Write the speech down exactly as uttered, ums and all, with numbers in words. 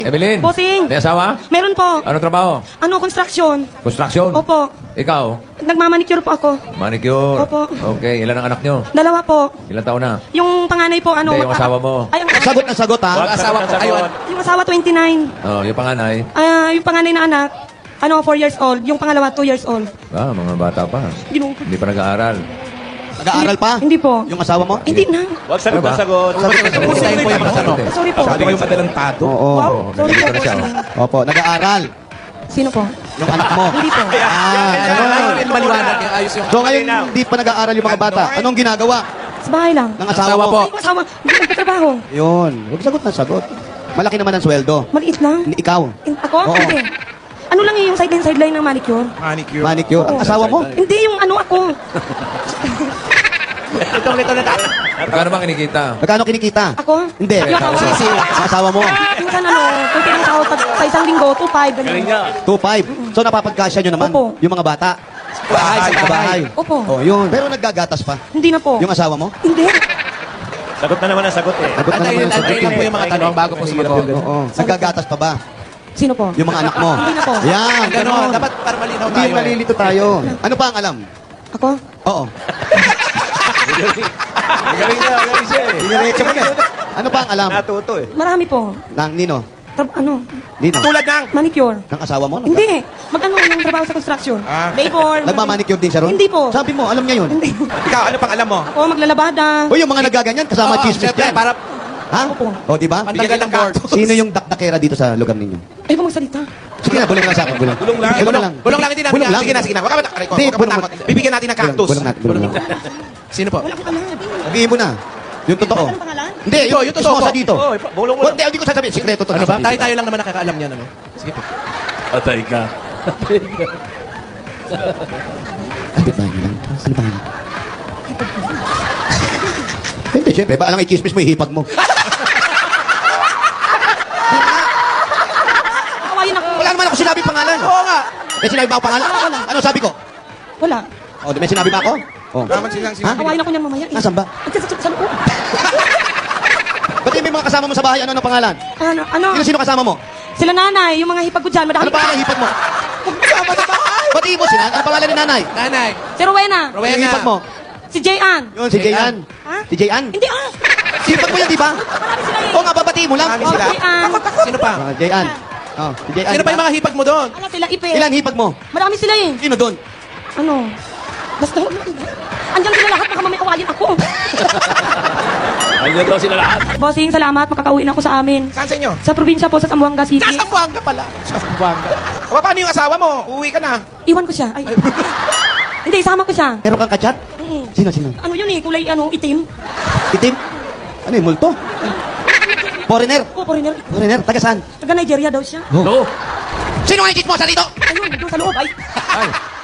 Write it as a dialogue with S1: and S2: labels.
S1: Evelyn.
S2: Bossing.
S1: May asawa?
S2: Meron po.
S1: Ano trabaho?
S2: Ano, construction.
S1: Construction?
S2: Opo.
S1: Ikaw?
S2: Nagmamanicure po ako.
S1: Manicure?
S2: Opo.
S1: Okay, ilan ang anak nyo?
S2: Dalawa po.
S1: Ilan taon na?
S2: Yung panganay po, ano...
S1: Hindi, yung
S2: magkaka-
S1: asawa mo.
S2: Ay, ang
S3: Sagot na sagot, ha?
S4: Wag
S3: Asawa
S4: sagot
S3: ko.
S4: na sagot.
S2: Yung asawa, twenty-nine.
S1: Oh, yung panganay?
S2: Ah, yung panganay na anak, ano, four years old. Yung pangalawa, two years old.
S1: Ah, mga bata pa.
S2: Ginoo.
S1: Hindi pa nag-aaral.
S3: Nag-aaral pa?
S2: Hindi po.
S3: Yung asawa mo?
S2: Hindi na.
S4: Wag sagot
S1: Ano ba?
S4: na sagot.
S3: Pustahin po yung mga tanong.
S2: Sorry po.
S4: Sabi ko yung adelantado.
S3: Oo.
S2: Wow, sorry po.
S1: nandito na siya, oh.
S2: bossing.
S3: Opo, nag-aaral.
S2: Sino po?
S3: Yung anak mo.
S2: Hindi po.
S3: Ah, ganun.
S5: Maliwanag yung ayos yung...
S3: So ngayon, hindi pa nag-aaral yung mga bata. Anong ginagawa
S2: Sa bahay lang.
S3: ng asawa mo?
S2: Ay, yung asawa, hindi nagtatrabaho.
S3: Yun. Huwag sagot na sagot. Malaki naman ang sweldo.
S2: Maliit lang.
S3: Ikaw,
S2: In- Ako?
S3: Oo.
S2: Hindi. Ano lang yung sideline sideline ng manicure?
S5: Manicure.
S3: manicure. Ang asawa mo?
S2: Hindi yung ano ako.
S4: Itong ito na tayo.
S1: Magkano bang kinikita?
S3: Magkano kinikita?
S2: Ako?
S3: Hindi.
S2: Yung asawa ko.
S3: Sisi, ang asawa mo.
S2: Minsan ano, kung pinang pag sa isang linggo, two five,
S4: Galing
S2: ganun.
S4: niya.
S3: two five. So napapagkasya nyo naman
S2: Opo.
S3: yung mga bata.
S5: Bahay, sa
S3: Sa
S5: bahay.
S3: bahay.
S2: Opo.
S3: Oh, yun. Pero naggagatas pa.
S2: Hindi na po.
S3: Yung asawa mo?
S2: Hindi.
S4: Sagot na naman ang sagot eh.
S3: Sagot na
S5: Antayin,
S3: naman ang
S5: antayin lang po yung mga tanong bago po sumagot.
S3: Oo. Naggagatas pa ba?
S2: Sino po?
S3: Yung mga anak mo?
S2: Hindi na po.
S3: Yan.
S5: Ganon,
S3: Ganon.
S5: dapat para malinaw
S3: Hindi
S5: tayo.
S3: yung nalilito tayo. Ano pa ang alam?
S2: Ako?
S3: Oo.
S4: Galing niya, galing siya eh.
S3: Diretso mo na. Ano pa ang alam?
S4: Natuto eh.
S2: Marami po.
S3: Nang Nino?
S2: Tra- ano?
S3: Nino?
S5: Tulad ng...
S2: Manicure.
S3: Ng asawa mo?
S2: Hindi. Mag-ano yung trabaho sa construction?
S5: Ah.
S2: Labor.
S3: Nagmamanicure din siya ron?
S2: Hindi po.
S3: Sabi mo, alam niya yun.
S2: Hindi.
S5: Ikaw, ano pang alam mo?
S2: Ako, maglalabada.
S3: O yung mga nagaganyan, kasama
S5: Oo,
S3: chismis
S5: syempre,
S3: dyan.
S5: para
S3: Ha?
S2: Opo.
S3: O, di ba?
S5: pantanggal ng board.
S3: Sino yung dakdakera dito sa lugar ninyo?
S2: Ay, po magsalita.
S3: Sige na, bulong lang sa akin. Bulong,
S5: Bulong lang.
S3: Bulong lang.
S5: Bulong lang, hindi natin.
S3: Bulong lang.
S5: Sige na, sige na. Huwag ka matakot.
S3: Hindi,
S5: Huwag ka
S3: bulong-
S5: matakot. Bibigyan natin ng
S3: Bulong,
S5: cactus.
S3: bulong natin, bulong lang.
S5: Sino po?
S2: Wala akong alam.
S3: Sabihin mo na. Yung totoo.
S2: Anong pangalan?
S3: Hindi,
S5: Ito,
S3: yung,
S5: yung totoo
S3: totoo
S5: po.
S3: dito.
S4: Oh, bulong mo.
S3: Hindi, hindi ko sasabihin. Sikreto to.
S5: Ano ba?
S3: Sasabihin.
S5: Tayo-tayo lang naman nakakaalam niyan. Ano? Sige po.
S4: Patay ka.
S3: Kapit ba lang? Ano ba? Hindi, syempre. Ba, alang i-chismis mo, ihipag mo.
S2: Kawain ako.
S3: Wala naman ako sinabi pangalan.
S5: Oo nga.
S3: May sinabi ba ako pangalan? Ano sabi ko?
S2: Wala.
S3: O, may sinabi ba ako? Oh.
S5: Naman silang
S3: Ha?
S5: sinabi.
S2: Kawain ako niyan mamaya. eh.
S3: Nasaan ba?
S2: At sa, sa, sa loob.
S3: Ba't yung may mga kasama mo sa bahay? Ano ang pangalan?
S2: Ano? Ano?
S3: Sino sino kasama mo?
S2: Sila nanay, yung mga hipag ko dyan. Madami
S3: Ano pangalan ng hipag mo?
S5: Kasama sa bahay.
S3: Ba't mo sila? Ano pangalan ni nanay?
S5: Nanay.
S2: Si Rowena.
S5: Rowena.
S3: Yung hipag mo?
S2: Si Jayan.
S3: Yun, si Jayan.
S2: Ha?
S3: Si Jayan?
S2: Hindi ah.
S3: Hipag mo yan, di ba?
S2: Marami sila eh.
S3: Oo nga, babatiin mo lang.
S5: Marami
S2: Oh,
S5: sila.
S2: Jayan.
S5: Sino pa?
S3: Ah, Jayan. Oh, si Jayan.
S5: Sino pa yung mga hipag mo doon?
S2: Ano sila, Ipe.
S3: Ilan hipag mo?
S2: Marami sila eh.
S3: Sino doon?
S2: Ano? Basta, andyan sila lahat, baka mamaya awayin ako.
S4: Ayun daw sila lahat.
S2: Bossing, salamat, makakauwi na ako sa amin.
S5: Saan sa inyo?
S2: Sa probinsya po, sa Zamboanga City.
S5: Nasa Buanga pala. Sa Buanga. O, paano yung asawa mo? Uuwi ka na.
S2: Iwan ko siya. Ay. Hindi, isama ko siya.
S3: Meron kang kachat?
S2: Mm.
S3: Sino, sino?
S2: Ano yun eh, kulay ano, itim.
S3: Itim? Ano yung multo? Foreigner?
S2: Oo, foreigner.
S3: Foreigner? Taga saan?
S2: Taga Nigeria daw siya.
S4: No.
S3: Sino ang ikit mo sa dito?
S2: Ayun, doon sa loob. Ay,
S1: Ay,